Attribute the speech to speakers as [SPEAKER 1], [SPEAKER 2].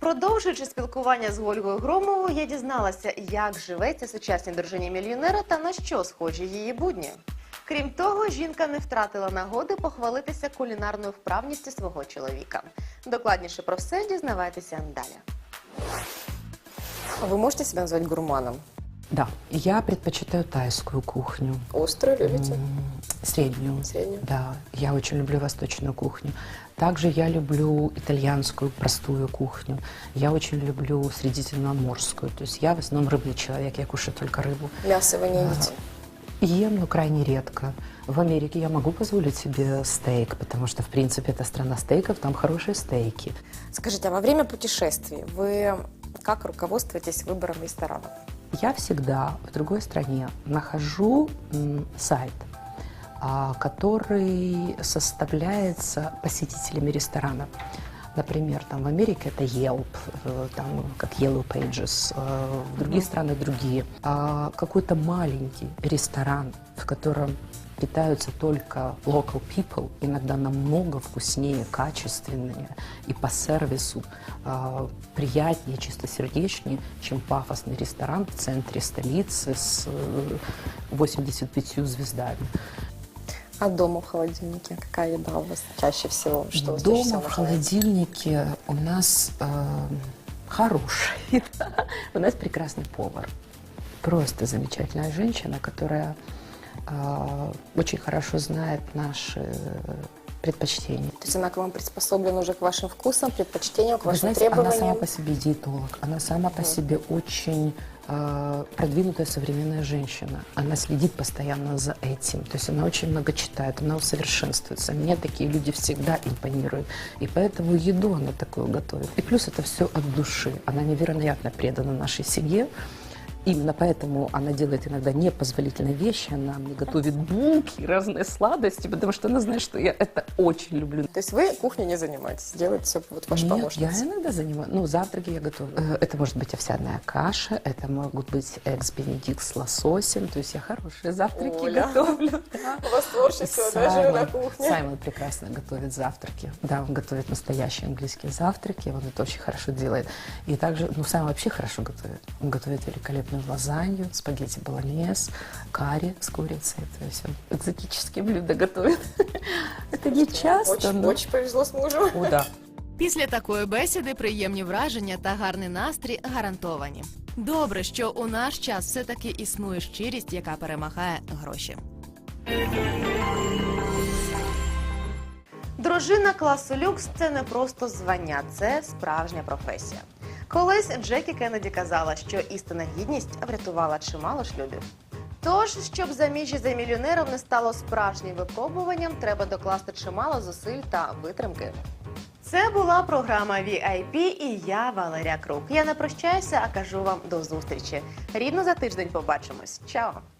[SPEAKER 1] Продовжуючи спілкування з Ольгою Громовою, я дізналася, як живеться сучасній дружині мільйонера та на що схожі її будні. Крім того, жінка не втратила нагоди похвалитися кулінарною вправністю свого чоловіка. Докладніше про все дізнавайтеся далі.
[SPEAKER 2] Вы можете себя назвать гурманом?
[SPEAKER 3] Да, я предпочитаю тайскую кухню.
[SPEAKER 2] Острую любите?
[SPEAKER 3] Среднюю.
[SPEAKER 2] Среднюю?
[SPEAKER 3] Да, я очень люблю восточную кухню. Также я люблю итальянскую простую кухню. Я очень люблю средиземноморскую. То есть я в основном рыбный человек, я кушаю только рыбу.
[SPEAKER 2] Мясо вы не едите?
[SPEAKER 3] Ем, но крайне редко. В Америке я могу позволить себе стейк, потому что, в принципе, это страна стейков, там хорошие стейки.
[SPEAKER 2] Скажите, а во время путешествий вы как руководствуетесь выбором ресторанов?
[SPEAKER 3] Я всегда в другой стране нахожу сайт, который составляется посетителями ресторанов. Например, там в Америке это Yelp, там как Yellow Pages, в других странах другие. Какой-то маленький ресторан, в котором питаются только local people, иногда намного вкуснее, качественнее и по сервису приятнее, чистосердечнее, чем пафосный ресторан в центре столицы с 85 звездами.
[SPEAKER 2] А дома в холодильнике какая еда у вас чаще всего? Что вы чаще
[SPEAKER 3] Дома
[SPEAKER 2] всего
[SPEAKER 3] в
[SPEAKER 2] нажимаете?
[SPEAKER 3] холодильнике у нас хорошая еда. У нас прекрасный повар. Просто замечательная женщина, которая очень хорошо знает наши предпочтения.
[SPEAKER 2] То есть она к вам приспособлена уже к вашим вкусам, предпочтениям, к
[SPEAKER 3] Вы
[SPEAKER 2] вашим
[SPEAKER 3] знаете, она
[SPEAKER 2] требованиям?
[SPEAKER 3] сама по себе диетолог, она сама по себе очень продвинутая современная женщина. Она следит постоянно за этим. То есть она очень много читает, она усовершенствуется. Мне такие люди всегда импонируют. И поэтому еду она такую готовит. И плюс это все от души. Она невероятно предана нашей семье. Именно поэтому она делает иногда непозволительные вещи. Она мне готовит булки, разные сладости, потому что она знает, что я это очень люблю.
[SPEAKER 2] То есть вы кухней не занимаетесь, делаете все вот ваша
[SPEAKER 3] Нет,
[SPEAKER 2] помощница?
[SPEAKER 3] я иногда занимаюсь. Ну, завтраки я готовлю. Это может быть овсяная каша, это могут быть экс-бенедикт с лососем. То есть я хорошие завтраки
[SPEAKER 2] Оля.
[SPEAKER 3] готовлю. Да.
[SPEAKER 2] У вас творчество даже на кухне.
[SPEAKER 3] Саймон прекрасно готовит завтраки. Да, он готовит настоящие английские завтраки, он это очень хорошо делает. И также, ну, Саймон вообще хорошо готовит. Он готовит великолепную лазанью, спагетти болонез, карри с курицей. То есть он экзотические блюда готовит. Это не часто, но...
[SPEAKER 2] Очень повезло с мужем.
[SPEAKER 3] О, да.
[SPEAKER 1] Після такої бесіди приємні враження та гарний настрій гарантовані. Добре, що у наш час все-таки існує щирість, яка перемагає гроші. Дружина класу люкс – це не просто звання, це справжня професія. Колись Джекі Кеннеді казала, що істинна гідність врятувала чимало шлюбів. Тож, щоб заміжжя за мільйонером не стало справжнім випробуванням, треба докласти чимало зусиль та витримки. Це була програма VIP і я, Валерія Крук. Я не прощаюся, а кажу вам до зустрічі. Рівно за тиждень побачимось. Чао!